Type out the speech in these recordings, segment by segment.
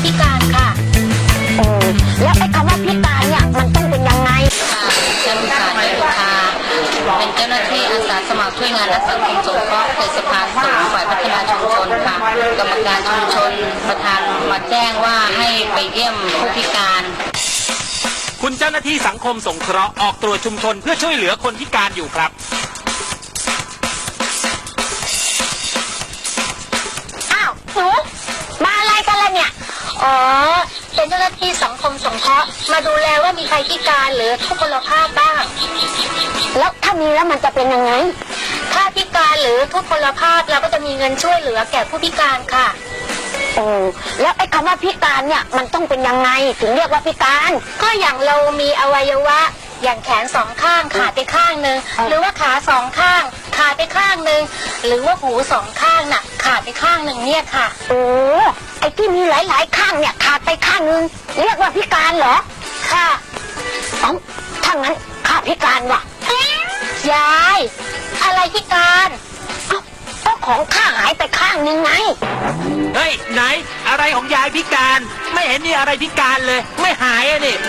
พิการค่ะแล้วไอ้คำว่าพิการเนี่ยมันต้องเป็นยังไงฉันสารยุทธาเป็นเจ้าหน้าที่อาสาสมัครช่วยงานและสังคมสงเคราะห์เขตสะพานสูงฝ่ายพัฒนาชุมชนค่ะกรรมการชุมชนประธานมาแจ้งว่าให้ไปเยี่ยมผู้พิการคุณเจ้าหน้าที่สังคมสงเคราะห์ออกตรวจชุมชนเพื่อช่วยเหลือคนพิการอยู่ครับอ้าวหนูมาอะไรกันล่ะเนี่ยเป็นเจ้าหน้าที่สังคมสงเคราะห์มาดูแลว่ามีใครพิการหรือทุพพลภาพบ้างแล้วถ้ามีแล้วมันจะเป็นยังไงถ้าพิการหรือทุพพลภาพเราก็จะมีเงินช่วยเหลือแก่ผู้พิการค่ะแล้วไอ้คำว่าพิการเนี่ยมันต้องเป็นยังไงถึงเรียกว่าพิการก็อย่างเรามีอวัยวะอย่างแขนสองข้างขาดไปข้างหนึ่งหรือว่าขาสองข้างขาดไปข้างหนึ่งหรือว่าหูสองข้างน่ะขาดไปข้างหนึ่งเนี่ยค่ะไอ้ที่มีหลายๆข้างเนี่ยขาดไปข้างหนึ่งเรียกว่าพิการเหรอค่ะถ้างั้นข้าพิการว่ะยายอะไรพิการก็ของข้าหายไปข้างหนึ่งไงเฮ้ยไหนอะไรของยายพิการไม่เห็นมีอะไรพิการเลยไม่หายอ่ะนี่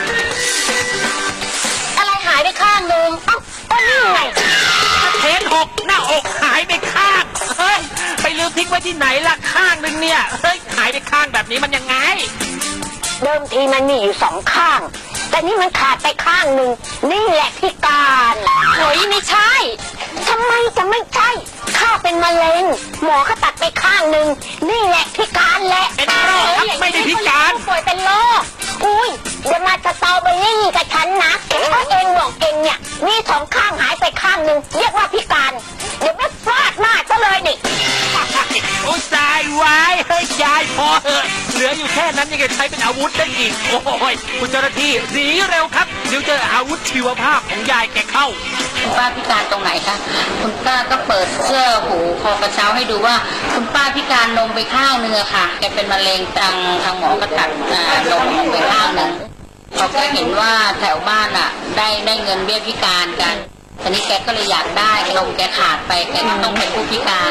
อะไรหายไปข้างหนึ่งก็นี่ไงเห็นหกหน้าอกหายไปข้างเฮ้ยไปลืมทิ้งไว้ที่ไหนล่ะข้างหนึ่งเนี่ยเฮ้ยหายไปข้างแบบนี้มันยังไงเดิมทีมันมีอยู่2ข้างแต่นี่มันขาดไปข้างหนึ่งนี่แหละพิการโอยไม่ใช่ทำไมจะไม่ใช่ข้าเป็นมะเร็งหมอเขาตัดไปข้างหนึ่งนี่แหละพิการแหละเป็นโรคครับไม่ได้พิการป่วยเป็นโรคอุ้ยเดี๋ยวมาสตรอเบอรี่กับฉันนะถ้าเองบอกเองเนี่ยมี2ข้างหายไปข้างหนึ่งเรียกว่าพิการเดี๋ยวไม่ฟาดมาซะเลยนี่โอ้ยตายไว้เฮ้ยยายพอเหอะเหลืออยู่แค่นั้นยังจะใช้เป็นอาวุธได้อีกโอ้ยคุณเจ้าหน้าที่หนีเร็วครับเดี๋ยวเจออาวุธชีวภาพของยายแกเข้าคุณป้าพิการตรงไหนคะคุณป้าก็เปิดเสื้อหูคอกระเช้าให้ดูว่าคุณป้าพิการนมไปข้างนึงอะค่ะแกเป็นมะเร็งทางหมอก็ตัดนมไปข้างนึงเขาก็เห็นว่าแถวบ้านอะได้เงินเบี้ยพิการกันทีนี้แกก็เลยอยากได้นมแกขาดไปแกก็ต้องเป็นผู้พิการ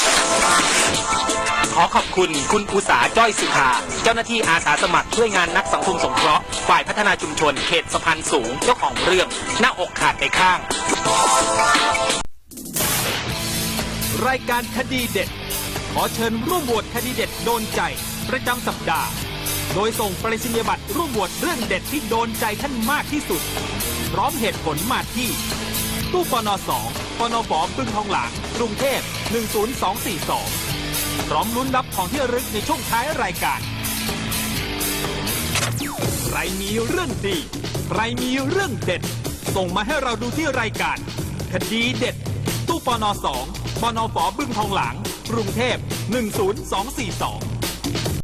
ขอขอบคุณคุณอุษาจ้อยสุภาเจ้าหน้าที่อาสาสมัครช่วยงานนักสังคมสงเคราะห์ฝ่ายพัฒนาชุมชนเขตสะพานสูงเจ้าของเรื่องหน้าอกขาดไปข้างรายการคดีเด็ดขอเชิญร่วมโหวตคดีเด็ดโดนใจประจำสัปดาห์โดยส่งไปรษณียบัตรร่วมโหวตเรื่องเด็ดที่โดนใจท่านมากที่สุดพร้อมเหตุผลมาที่ตู้ปน2ปนฝ.บึงทองหลางกรุงเทพ10242พร้อมลุ้นรับของที่ระลึกในช่วงท้ายรายการใครมีเรื่องดีใครมีเรื่องเด็ดส่งมาให้เราดูที่รายการคดีเด็ดตู้ปน2ปนฝ.บึงทองหลางกรุงเทพ10242